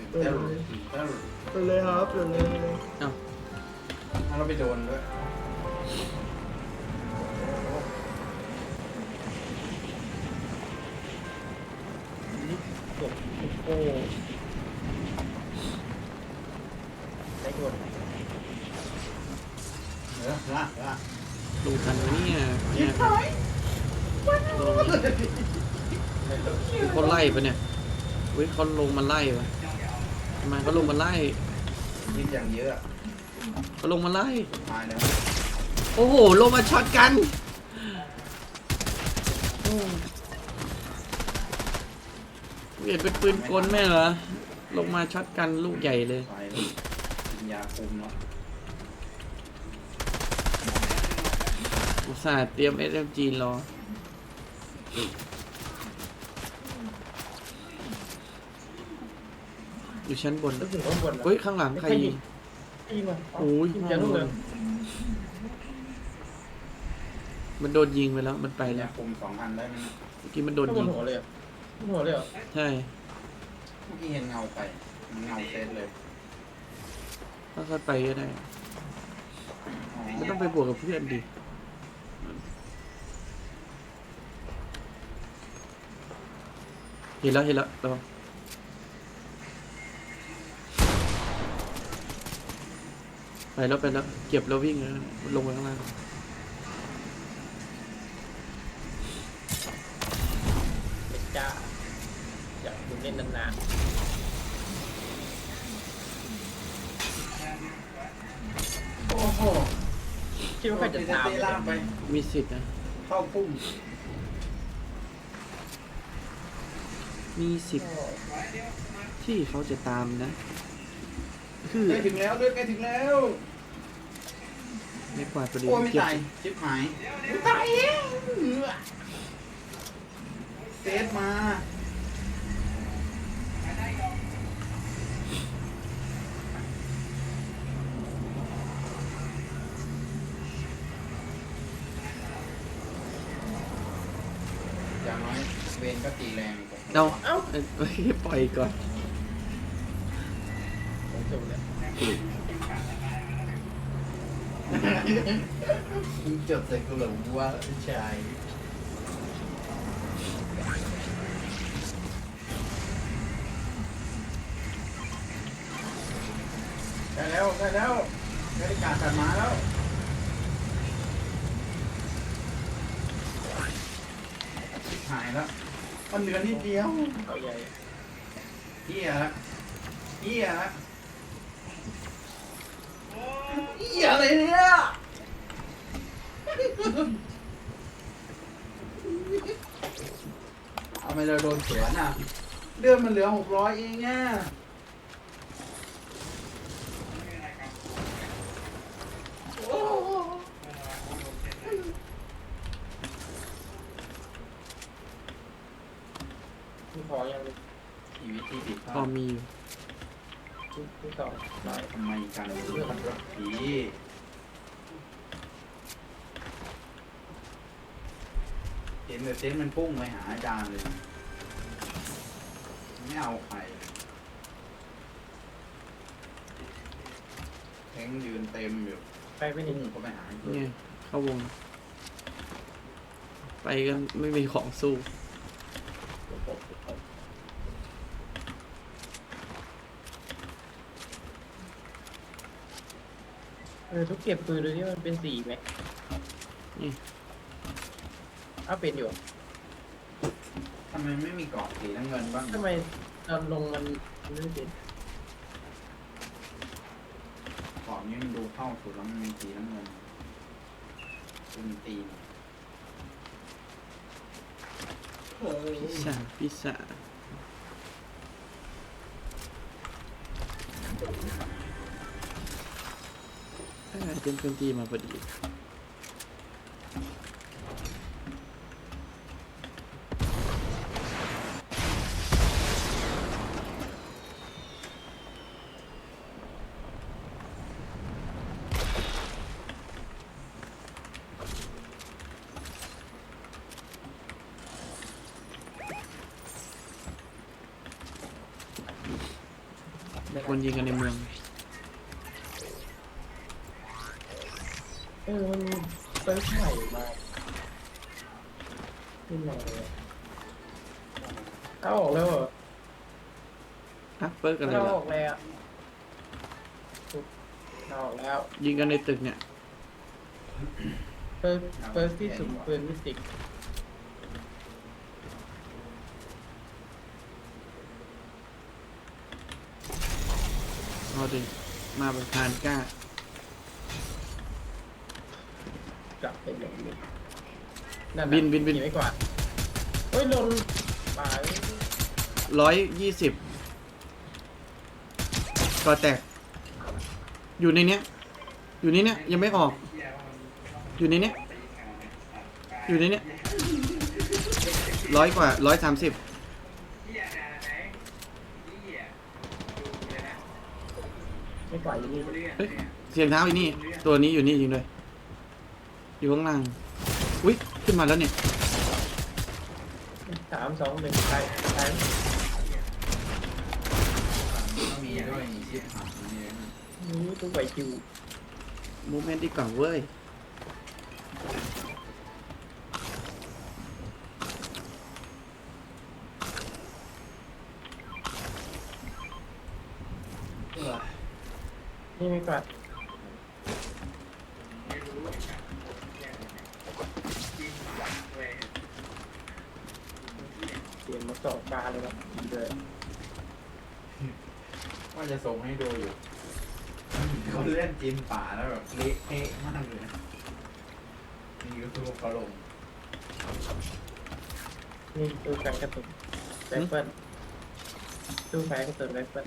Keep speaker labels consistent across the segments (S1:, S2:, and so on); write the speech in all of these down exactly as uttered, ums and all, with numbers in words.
S1: เดิน
S2: เต้า
S1: เลย
S2: เต้า
S1: เดินเลยครับเดินเลยเดินเลย
S3: เอ้า
S2: ถ้าเราไปโดนด้วย
S1: จบโอ้ได้กด
S2: เออละละ
S3: ดูทันไหมเนี่ยเนี่ยลงเขาไล่ปะเนี่ยเฮ้ยเขาลงมาไล่ปะทำไมเขาลงมาไล่
S2: ยิงอย่างเยอะ
S3: เขาลงมาไล่
S2: ตายแล้ว
S3: โอ้โหลงมาช็อตกันโอ้เห็นเป็นปืนกลแม่เหรอลงมาช็อตกันลูกใหญ่เลย
S2: ตายแล้วกินยาคุมแล้ว
S3: อุตส่าห์เตรียม เอส เอ็ม จี รออยู่ชั้นบน
S1: รู้สึกข้างบน
S3: เฮ้ยข้างหลังใครยิง
S1: ยิงมา
S3: โอ้ย
S1: จะรู้เลย
S3: มันโดนยิงไปแล้วมันไป
S2: ยา
S3: แล้ว
S2: คุมสองอันได้ไหม
S3: เมื่อกี้มันโดน
S1: ข้างบ
S3: ยิ
S1: น
S3: ง
S1: หัวเลยหัวเลยเหรอ
S3: ใช่
S2: เมื่อกี้เห็นเงาไปมันเงาเซตเลย
S3: ค่อยๆไปก็ได้ไม่ต้องไปบวกกับเพื่อนดิเห็นแล้วเห็นแล้วระวังไปแล้วไปแล้วเก็บแล้ววิ่งแล้วลงไปข้างล่าง
S1: เด็กจ้าอยากดูเล่นนานๆ
S2: โอ้โห
S1: คิดว่าใครจะตาม
S2: เตะล่างไป
S3: มีสิทธิ์นะ
S2: เข้าพุ่ม
S3: มีสิทธิ์ที่เขาจะตามนะคือ
S2: ใกล้ถึงแล้วเลือดใกล้ถึงแล้ว
S3: ไม่กวาดประเด็น
S2: โอ้ไม่
S3: เก็บ
S2: ตายชิบหายตายเองเซฟมาอย่างน้อยเวนก็ตีแรงกว่า
S3: เอาเอ้าเอ้ยปล่อยก่อน
S1: ผมจบเลย
S2: มึงจดใส่กูเหรอว่าชายได้แล้วได้แล้วได้การตัดมาแล้วหายแล้วมันเหลือนิดเดียว
S1: เอาใหญ่
S2: เหี้ยละเหี้ยละเหี้ยอะไรเนี่ยเอาไปเราโดนสวนอ่ะเดือนมันเหลือหกร้อยเองอ่ะ
S1: ที่พอยัง
S2: ชีวิตที่ผิดพ
S3: พอ
S2: ลาด
S3: มีอยู่
S1: ที่ที่สองน้อย
S2: ทำไมกันเรื่องมันรักผีเห็นแต่เซนมันพุ่งไปหาอาจารย์เลย ไม่เอาใครแทงยืนเต็มอยู่
S1: ไปไม่
S2: พุ่
S1: ถึ
S2: ง
S1: ง
S2: เขาไปหา
S3: เนี่ยเข้าวง ไปกันไม่มีของสู้
S1: เออทุกเก็บปืนดูที่มันเป็นสีไหม
S3: นี่
S1: อ้าวเป็นอยู่
S2: ทำไมไม่มีเกาะสีน้ำเงินบ้าง
S1: ทำไมตอนลงมันไม่ได้เป็น
S2: เกาะนี้มันดูเข้าสุดแล้วมันมีสีน้ำเงินคุณตีน
S3: พิซซ่าพิซซ่าเอ้ยเต็มเครื่องตีมาพอดีมีคนยิงกันในเมือง
S1: เออมันเซิร์ฟใหม่มาขึ้นมาเลยเอาออกแล้วเหรอ
S3: ฮะเปิร์กอะไร
S1: เอา
S3: ล่ะ
S1: ออกแล้วเอาออกแล้ว
S3: ยิงกันในตึกเนี่ย
S1: เฟิร์สเฟิร์สที่สุ่มปืนมิสติก
S3: เอาดิมาประธานกล้า
S1: กลับไปหลงนี่นั่น
S3: บินบินบิน
S1: ขี่ไม่กว่าดเฮ้ยหล่นป่า
S3: ร้อยยี่สิบก่อแตก อยู่ในเนี้ย อยู่ในเนี้ยยังไม่ออก อยู่ในเนี้ย อยู่ในเนี้ยร้อยกว่าร้อยสามสิบ
S1: ไม่กว่าดอยู่นี่
S3: เฮ้ยเสียงเท้าอีนี่ ตัวนี้อยู่นี่จริงเลย อยู่ข้างล่าง อุ้ยขึ้นมาแล้วเนี่ย
S1: สามสองหนึ่งไปไป
S2: ก็มีด้วยมีชิปหางนี่
S1: นี่ตู้ไปคิว
S3: มูเมนต์ดีกว่าเว้ย
S1: นี่ไม่กว่าดเปลี่ยนมาสองบาร์เลยครับดีเลย
S2: ว่าจะส่งให้ดูอยู่เขาเล่นจีนป่าแล้วแบบเละเทะมากเลยนะนี่ก็คือเขาลง
S1: นี่ตู้กันกระตุนไรเฟิลตู้แฟกระตุนไรเฟิล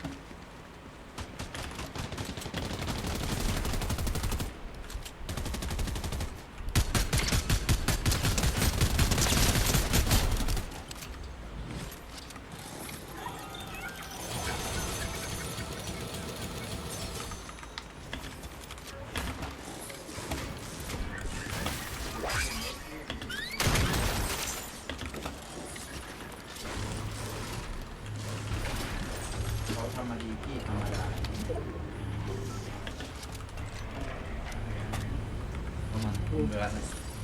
S2: เขาทำมาดีพี่ธรรมดาประมาณครึ่งเดือนนะ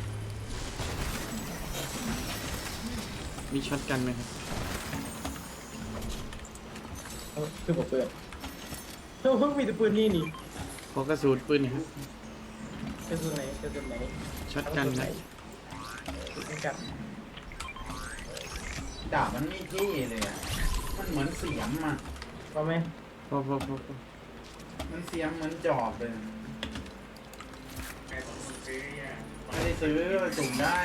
S3: มีช็อตกันไหมครับ
S1: คือผมเปิดโอ้เพิ่งมีแต่ปืนนี่นี่
S3: ขอกระสุนปืนหนะครับ
S1: กระสุนไหนกระสุนไหน
S3: ช็อตกันไหม
S1: กระสุนกัน
S2: ดาบมันไม่ที่เลยอ่ะมันเหมือนเสียมอ่ะ
S1: พอไหม
S3: พอพอพอพอ
S2: มันเสียมเหมือนจอบเลยไม่ได้ซื้อสุ่มได้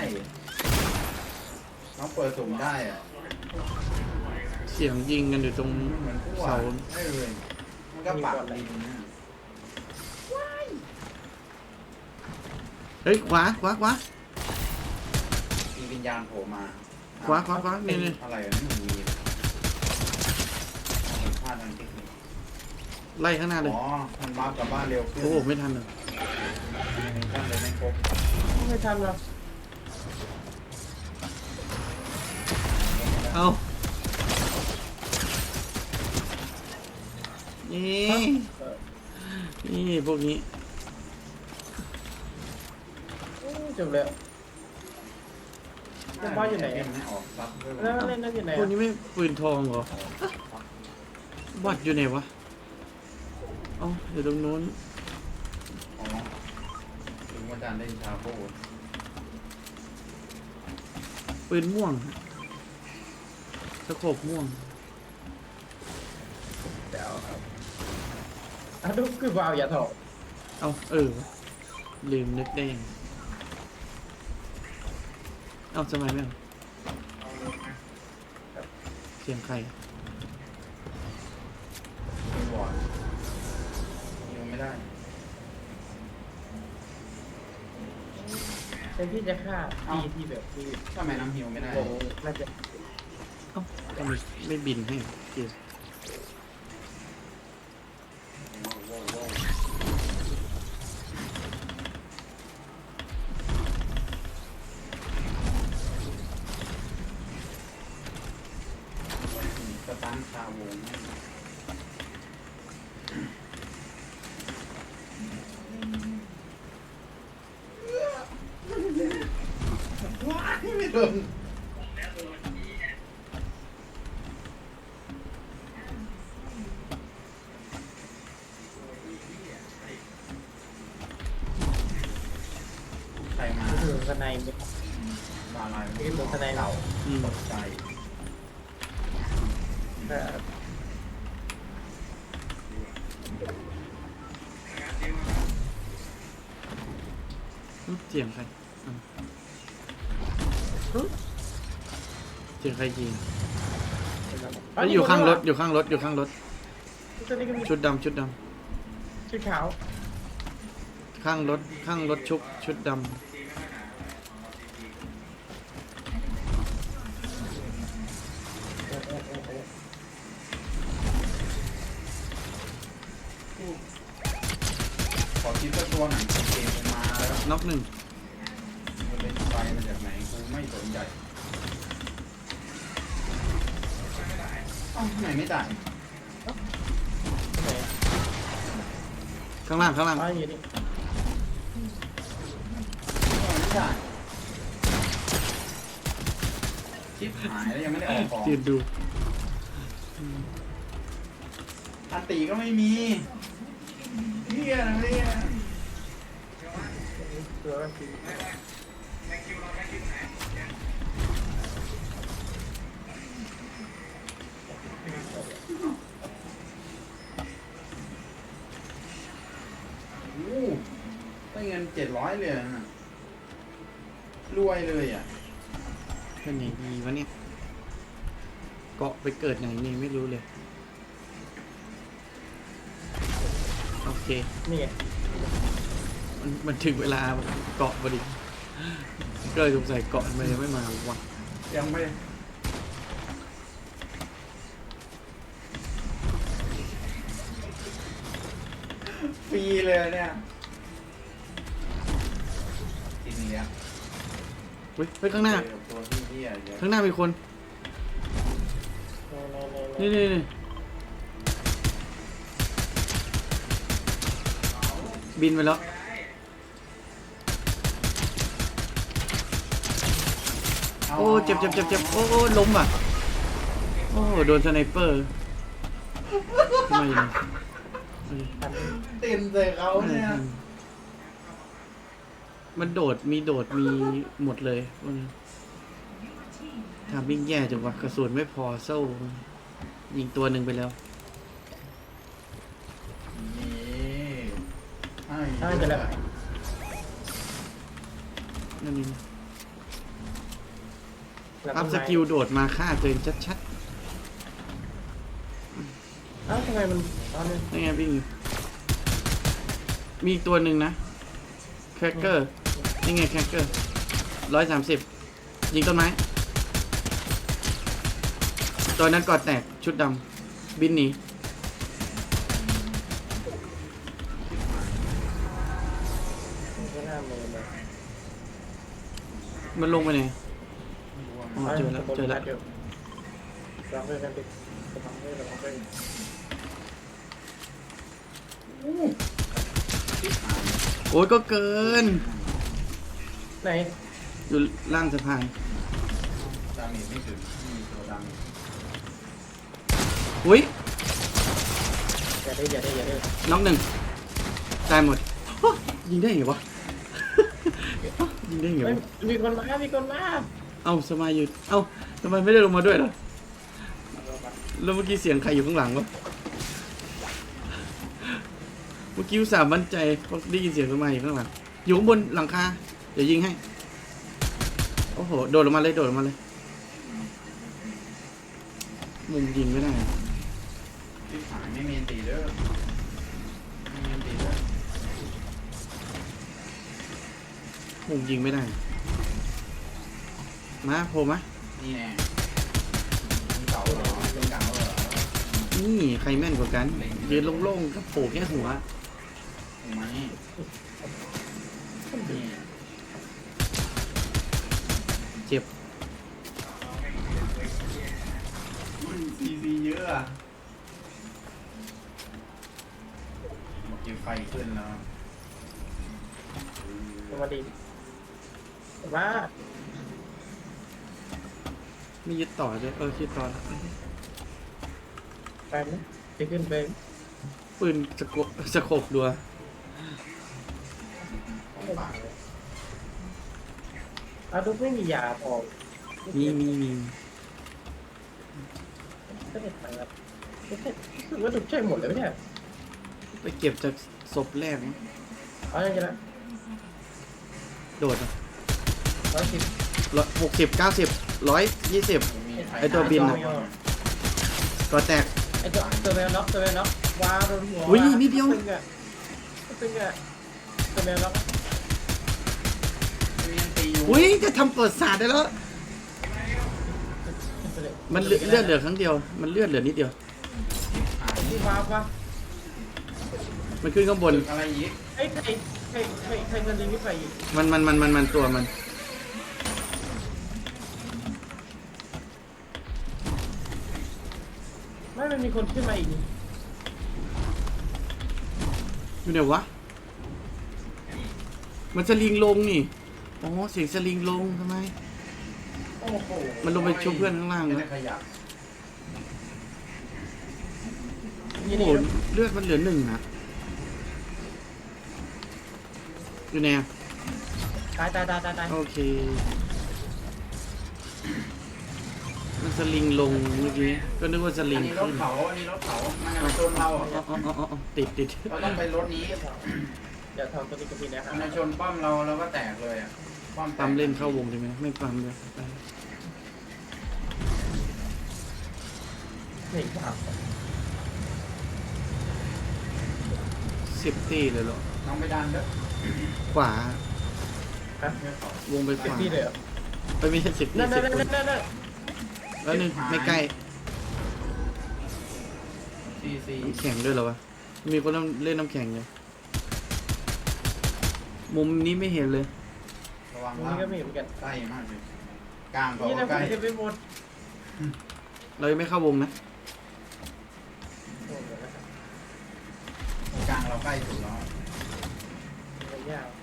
S2: น้องเปิดสุ่มได้อ่ะ
S3: เสียงยิงกันอยู่ตรง
S2: มันเหมือนพวก
S3: เสา
S2: ไม่เลยมันก็ปักดินนะ
S3: เฮ้ย ขวา ขวา ขวา
S2: มีวิญญาณโผล่มา
S3: ขวา ขวา ขวา นี่นี่
S2: อะไรอ่ะนี่มันมีมันพลาดทางเทคนิค
S3: ไล่ข้างหน้าเลย
S2: อ๋อมันวาร์ปกลับบ้านเร็วขึ้น
S3: โอ้โหไม่ทันเลย
S2: มีท่านเลยไม่ครบ
S1: ไม่ทันหรอก
S3: เอานี่
S1: เออ
S3: นี่พวกนี้
S1: อู้จบแล้วแล้วบ้านอยู่ไหน
S2: เล่
S1: อะ
S2: นไม่ออกซับด้วย
S1: แล้วเล่นนั่นอยู่ไหน
S3: พวก
S1: อะ
S3: นี้ไม่ปืนทองเหรอบัตรอยู่ไหนวะ เอ้าอยู่ตรงนู้น
S2: อ๋อถึงว่าจานเล่นชาโบ้
S3: ปืนม่วงสะโขบม่วง
S1: เดี๋ยวครับอ่ะดูคือวาวอย่าถอด
S3: เอาเออ ลืมนึกได้ยังเอาสมัยไม่เอาเสียงใคร
S2: ไม่บอดยังไม่ได้
S1: เป็นที่จะฆ่าที่ที่แบบที่
S2: ทำไมน้ำฮิวไม่ได้
S1: โอ้โหน่าจะ
S3: เอ้าทำไมไม่บินให้เกียร์
S2: สตันคาวงนใครมา
S1: ถึงข้างในไม่
S2: บาลาย
S1: ที่ถึงข้างในเรา
S3: อืม
S2: ตกใจ
S1: แต่
S3: เสียงใครอ่ะเสียงใครยิงแล้วอยู่ข้างรถอยู่ข้างรถอยู่ข้างรถ
S1: ชุดนี้ก็มี
S3: ชุดดำชุดด
S1: ชุดขาว
S3: ำข้างรถข้างรถชุบชุดด
S2: ขอคิดว่าตัวไหนเกมมาแล้ว
S3: ำน็อกหนึ่ง
S2: มันเป็นไฟมาจากไหนกูไม่สนใจเอ้าทำไมไม่จ่าย
S1: ไหน
S3: ข้างล่างข้างล่าง
S1: อ๋ออยู่นี่
S2: ไม่จ่ายชิปหายแล้วยังไม่ได้ออกของ
S3: ยืนดู
S2: อันตีก็ไม่มีเฮียนะเนี่ย
S1: ตัวก็คือ
S2: โอ้ได้เงินเจ็ดร้อยเลยนะรวยเลยอ่ะ
S3: เป็นไหนดีวะเนี่ยเกาะไปเกิดไหนนี่ไม่รู้เลย โอเค
S1: นี่ไง
S3: มันมันถึงเวลาเกาะพอดีก็เลยสงสัยเกาะมันยังไม่มาวะ
S2: ยังไม่ฟรีเลยเนี่ยทีนี้อ่ะ
S3: เฮ้ยเฮ้ยข้างหน้า
S2: เจอตัวที่เฮียเยอะ
S3: ข้างหน้ามีคน
S1: ในในใน
S3: นี่นี่นี่บินไปแล้ว โอ้เจ็บเจ็บเจ็บเจ็บโอ้โอ้ล้มอ่ะ โอ้โดนสไนเปอร์ทำไมเนี่ยเอ้ย
S2: เต็มเลยเขาเนี่ย
S3: มันโดดมีโดดมีหมดเลยพวกนี้ทำวิ่งแย่จังวะกระสุนไม่พอโซ่ยิงตัวหนึ่งไปแล้ว
S2: นี่ให้
S1: ถ้าจะแบบ
S3: นั่นนี่อัพสกิลโดดมาฆ่าตัวเองชัด
S1: เอ้าทำไมมันตอนนี้
S3: ๆนี่ไงวิ่งอยู่มีอีกตัวหนึ่งนะแครกเกอร์นี่ไงแครกเกอร์ร้อยสามสิบยิงต้นไม้ตัวนั้นกอดแตกชุดดำบินหนี
S1: ก็น่ามือเลย
S3: มันลงไปไหนอ๋อเจอแล้วเจอแล้ว
S1: ลองเล่นกันดิลองเล่นลองเล่น
S3: โอ้ยก็เกิน
S1: ไหน
S3: อยู่ล่างสะพาน
S2: ดาเมจไม่ถึงมีตัวดัง
S3: อุ้ย
S1: อย่าได้อย่าได้อย่าได้
S3: น็อกหนึ่งตายหมดฮะยิงได้ไงวะ ยิงได้ไง
S1: เฮ้ยว
S3: ะ
S1: มีคนมามีคนมา
S3: เอ้าสมัยหยุดเอ้าทำไมไม่ได้ลงมาด้วยล่ะแล้วเมื่อกี้เสียงใครอยู่ข้างหลังวะเมื่อกี้อุตส่าห์มั่นใจเพราะได้ยินเสียงสมัยอยู่ข้างหลังอยู่ข้างบนหลังคาเดี๋ยวยิงให้โอ้โหโดดลงมาเลยโดดลงมาเลยมุมยิงไม่ได้
S2: ที่หายไม่มีอันตีเด้อไม่มีอันตีเด้อ
S3: มุมยิงไม่ได้ มาโผล่มา
S2: นี่แน่เป็นเก่าเหรอเป็นเก่าเหรอ
S3: นี่ใครแม่นกว่ากันยืนโล่งๆกับโผล่แค่หัว
S2: ถูกไหมนี่
S3: เจ็บ
S2: ซีซีเยอะอะหมดกินไฟขึ้นแล้ว
S1: สวัสดีว่า
S3: ไม่ยึดต่อด้วยเออยึดต่อแล้ว
S1: ไปไหมจะขึ้นไป
S3: ปืนสะโกสะโขบดัว
S1: อาดุกไม่มียาพอ
S3: มีมีมี
S1: ก็เด็ดไปครับรู้สึกว่าดุกใช่หมดเลยเนี่ย
S3: ไปเก็บจากศพแรกมั้ง
S1: เอาอย่างนี้ละ
S3: โดดอ่ะ
S1: ร้อยสิบ
S3: ร้อยหกสิบเก้าสิบร้อยยี่สิบ
S2: มีใคร
S3: ไอ้ตัวบินน่ะ ก็แตก
S1: ไอ้ตัวตัวแมวน็อกตัวแมวน็อกว้าวโดนหัว
S3: อุ้ยนิดเดียว
S1: ตึงอ่ะตึงอ่ะตัวแมวน็อก
S2: มีตีอยู่
S3: อุ้ยจะทำประวัติศาสตร์ได้แล้ว มันเลือดเลือดเหลือครั้งเดียว มันเลือดเหลือนิดเดียว
S1: ที่ว้าววะ
S3: มันขึ้นข้างบน
S2: ตึกอะไรอีก
S1: ไอ้ใครใครใครใครคนดีไม่ไปอีก
S3: มันมันมันมันมันตัวมัน
S1: ไม่มันมีคนขึ้นมาอีกนี่
S3: อยู่ไหนวะ มันสลิงลงนี่อ๋อเสียงสลิงลงทำไม
S2: โอ้โห
S3: มันลงไปชุบเพื่อนข้างล่าง
S2: ไม่
S3: นะ
S2: ได้ขยับ
S1: นี่
S3: โอ้
S1: นี่
S3: โหเลือดมันเหลือหนึ่งนะอยู่ไหนอะ
S1: ตายตายตายตายตาย
S3: โอเค มันสลิงลงเมื่อกี้ ก็นึกว่าสลิ
S2: อั
S3: ง
S2: นนี้รถ
S3: ขึ้น
S2: เขาอันนี้รถเขามันจะมาชนเรา
S3: อ๋ออ๋ออ๋ออ๋อติดติด
S2: เราต้องไปรถนี้
S1: เดี๋ยวทำตัวนี้กับพี่นะครั
S2: มันจะชนป้อมเราเราก็แตกเลยอ่ะป้อมแตก
S3: ปั๊มเล่นเข้าวงใช่ไหมไม่ปั๊มเลยไป
S1: นี่ว้าว
S3: สิบตีเลยเหรอ
S2: น้องไปดันเด้อ
S3: ขวา
S1: ฮะ
S3: วงไปข
S1: เจ็บ
S3: วา
S1: ที่เลยเหรอ
S3: ไปไม่ใช่สิบตี
S1: นั่น
S3: สิ
S1: นั่
S3: บ
S1: น
S3: ค
S1: นั่
S3: น
S1: นนั่นนั่น
S3: แล้วนึงไม่ใกล้
S2: ซีซี
S3: น้ำแข็งด้วยเหรอวะ มีคนเล่นน้ำแข็งอยู่มุมนี้ไม่เห็นเลย
S2: ระวัง
S1: ตรง
S2: ล่า
S1: นี้ก็มีเหมือนกัน
S2: ใกล้มากเลยกลางเขา
S1: นี่นะ
S2: ใกล้
S1: ผมจะไปหมด
S3: เรายังไม่เข้าวงนะ
S2: กลางเราใกล้สุดแล้ว
S1: ยาว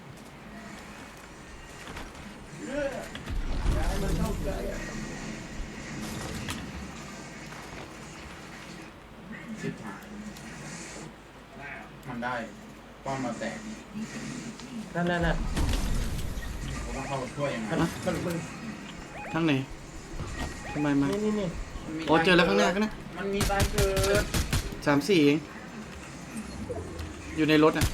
S2: สิบหายมันได้ป้อมมาแตก
S1: นั่นนั่นนั่น
S2: เราต้องเข้าช่วยยังไง
S1: มันมันมัน
S3: ทางไหนทำไมมา
S1: นี่นี่นี่
S2: มันมี
S3: โอ้เจอแล้วข้างหน้าข้างหน้า
S2: มันมีตายเกิด
S3: สามสี่เอง อยู่ในรถอ่ะ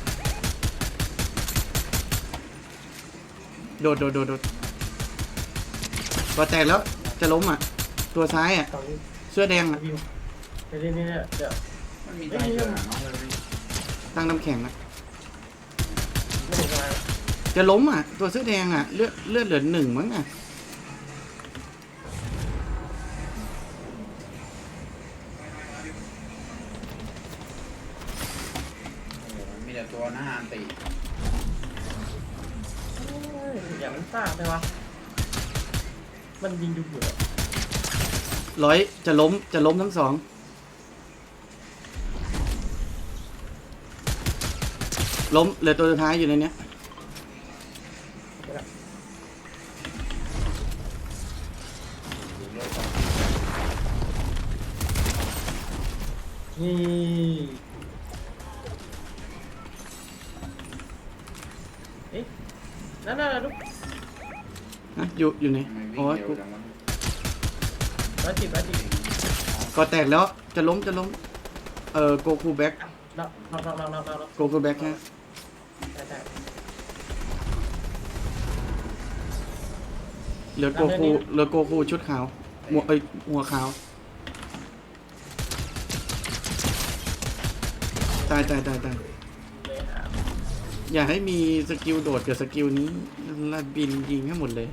S3: โดดโดดโดดโดดตัวแตกแล้ว จะล้มอ่ะ ตัวซ้ายอ่ะ
S1: สอง
S3: เสื้อแดงอ่ะ
S1: วิวเดี๋ยวนี่เนี่ยเดี๋ยว
S2: มันมีตายเกิดอะน้องเลย
S3: ตั้งน้ำแข็งอ่ะ
S1: ไม่ถึงมา
S3: จะล้มอ่ะ ตัวเสื้อแดงอ่ะ เลือดเลือดเหลือหนึ่งมั้งอ่ะ
S2: โอ้โหมีแต่ตัวหน้าอันตี
S1: อย่ามันซ่าไปวะมันยิงดูอยู่
S3: ร้อยจะล้มจะล้มทั้งสอง ล้มเหลือตัวสุดท้ายอยู่ในเนี้ย
S1: นี่เอ๊ะนั่นนั่นลูก
S3: ฮะอยู่อยู่ไหน
S2: ทำไมวิ่
S3: อ๋
S2: ง
S3: อ
S2: เร็ว
S3: กู
S2: จังวะ
S1: ร้อยสิบร้อยสิบ
S3: ก็แตกแล้ว จะล้มจะล้ม เอ่อโกคูแบ็ก
S1: น็อกน็อกน็อกน็อกน็อกน็อก
S3: โกคูแบ็กฮะ
S1: ใช่ใช่
S3: เหลือโกคูเหลือโกคูชุดขาวหมวกเอ้ยหัวขาว ตายตายตายตาย
S1: เลยครับ
S3: อย่าให้มีสกิลโดดกับสกิลนี้ลาบินยิงให้หมดเลย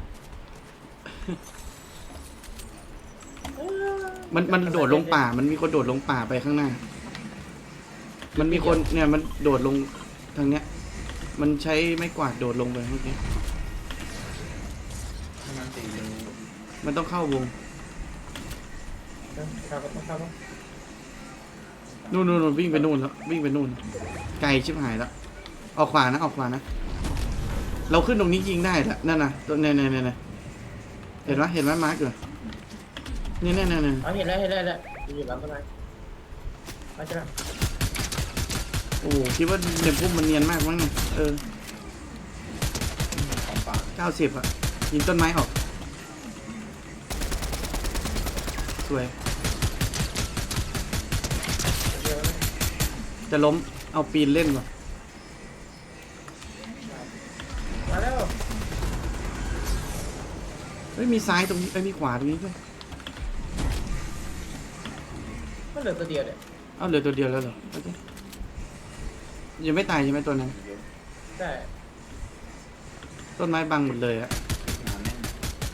S3: มันมันโดดลงป่า มันมีคนโดดลงป่าไปข้างหน้า มันมีคนเนี่ยมันโดดลงทางเนี้ย มันใช้ไม้กวาดโดดลงไปเมื่อกี้
S2: ให้มันตีเร็ว
S3: มันต้องเข้าวง
S1: ครับครับครับ
S3: นู่นนู่นนู่นวิ่งไปนู่นแล้ววิ่งไปนู่น ไกลชิบหายแล้วออกขวานะออกขวานะ เราขึ้นตรงนี้ยิงได้ละนั่นน่ะตัวเนี่ยเนี่ยเนี่ยเห็นไหมเห็นไหมมาร์กอยู่เนี่ยเนี่ยเนี่ยเนี่ย
S1: อ๋อเห็นแล้วเห็นแล้วเห็นแล้วอยู่หลังต้นไม้มาจ้ะ
S3: โอ้โหคิดว่าเด็กพุ่มมันเนียนมากมั้งเนี่ยเออ
S2: ของป่า
S3: เก้าสิบอ่ะยิงต้นไม้ออกสวย
S1: เดียวนะ
S3: จะล้มเอาปีนเล่นว่ะ
S1: มาแล้ว
S3: เฮ้ยมีซ้ายตรงนี้เอ้ยมีขวาตรงนี้ด้วย
S1: มันเหลือตัวเดียวเนี่ย
S3: เอาเหลือตัวเดียวแล้วเหรอโอเคยังไม่ตายใช่ไหมตัวนั้น
S1: ได้
S3: ต้นไม้บังหมดเลยอะ
S2: หนาแน่น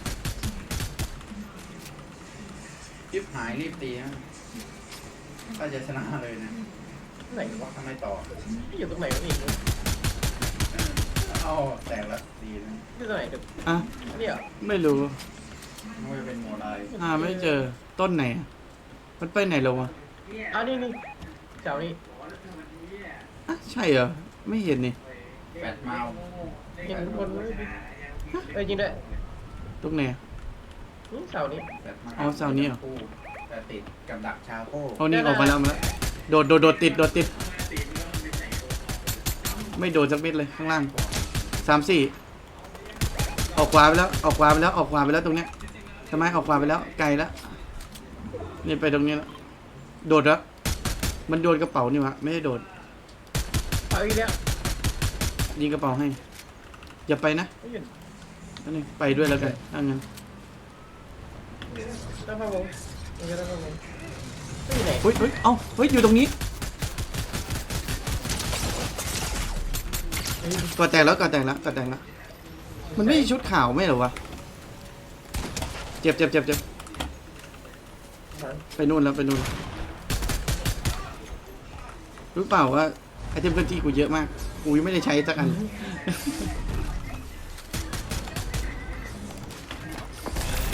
S2: ยิบหายรีบตีนะถ้าจะชนะเลยนะ
S1: ไหนวะ
S2: ถ้าไม่ต่อ
S1: ที่อยู่ตรงไหนวะอีกเนี่ย
S2: เอ้าแตกแล้วดีนะ
S1: ที่ตรงไหนเดี๋ยว
S3: อ่ะ
S1: เนี่ย
S3: ไม่รู้
S2: ไม่ว่าจะเป็นโมไล
S3: อ่าไม่เจอต้นไหนอะมันไปไหนแล้ววะ
S1: อ้าวนี่นี่เจ้านี่
S3: อ่ะใช่เหรอไม่เห็นนี่
S2: แปดเมา
S1: เห็นคนเลยเอ้ยจริงด้วย
S3: ตรงไหนอะ
S1: นี่เสานี้
S2: แปดเมา
S3: อ๋อเสานี้เหรอ
S2: แต่ติดกับดักชาโก้
S3: เอานี่ออกมาแล้วมาแล้วโดดโดดโดดติดโดดติด ไม่โดดสักเม็ดเลยข้างล่างสามสี่ออกขวาไปแล้วออกขวาไปแล้วออกขวาไปแล้วตรงเนี้ยทำไมออกขวาไปแล้วไกลแล้วนี่ไปตรงนี้แล้วโดดแล้วมันโดนกระเป๋านี่วะไม่ได้โดด
S1: เอาอีกแล้ว
S3: ยิงกระเป๋าให้อย่าไปนะ
S1: ไม่หยุด
S3: นั่นเองไปด้วยแล้วกันถ้างั้น
S1: ตั้งพะวงมันจะตั้งพะวงไม่อยู่ไหน
S3: เฮ้ยเฮ้ยเอ้าเฮ้ยอยู่ตรงนี้ก่อแตกแล้วก่อแตกแล้วก่อแตกแล้วมันไม่ใช่ชุดขาวไม่เหรอวะเจ็บเจ็บเจ็บเจ็บ
S1: มัน
S3: ไปนู่นแล้วไปนู่นรู้เปล่าว่าไอเทมเคลื่อนที่กูเยอะมากกูยังไม่ได้ใช้สักอัน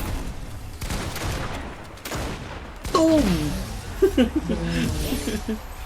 S3: ตุ้ม